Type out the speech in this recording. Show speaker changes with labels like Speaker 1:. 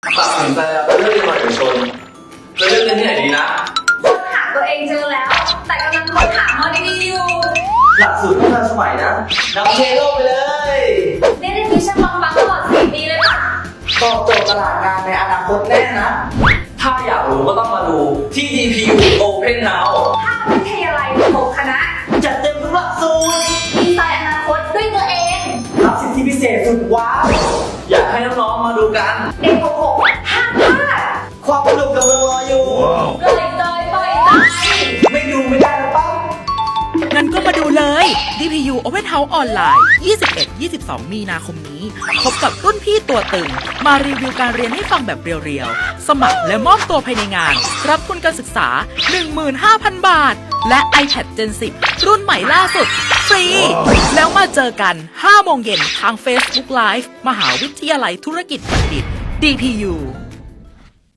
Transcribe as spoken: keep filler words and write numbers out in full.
Speaker 1: ตัดสินใจแล้วเลือกเรียนมอเอกชนจะเลือกเรียนที่ไหนดีนะ
Speaker 2: ค้นหาตัวเองเจอแล้วแต่กำลังค้นหามอดีอยู่
Speaker 1: หลักสูตรที่ทันสมัยนะนำเทโลกไปเลย
Speaker 2: ได้ได้มิชชั่นปังๆตลอดสี่ปีเลยค่ะ
Speaker 1: ตอบโจทย์ตลาดงานในอนาคตแน่นะถ้าอยากรู้ก็ต้องมาดูที่ ดี พี ยู Open Now
Speaker 2: ภาควิทยาลัยหกคณะ
Speaker 1: จัดเต็มทุกหลักสูตร
Speaker 2: ดีไซน์อนาคตด้วยตัวเอง
Speaker 1: รับสิทธิพิเศษสุดว้าวอยากให้น้องๆมาดูกัน
Speaker 2: เด็กหกหกห้ามพลาด
Speaker 1: ความสนุกกำลังรออยู่
Speaker 2: ปล่อยจอยปล่อยใจ
Speaker 1: ไม่ดูไม่ได้นะปั๊บ
Speaker 3: งั้นก็มาดูเลย ดี พี ยู Open House ออนไลน์ ยี่สิบเอ็ด ยี่สิบสอง มีนาคมนี้พบกับรุ่นพี่ตัวตึงมารีวิวการเรียนให้ฟังแบบเรียวๆ สมัครและมอบตัวภายในงาน รับทุนการศึกษา หนึ่งหมื่นห้าพัน บาท และ iPad Gen สิบ รุ่นใหม่ล่าสุด ฟรี แล้วมาเจอกัน ห้าโมงเย็นทาง Facebook Live มหาวิทยาลัยธุรกิจบัณฑิต ดี พี ยู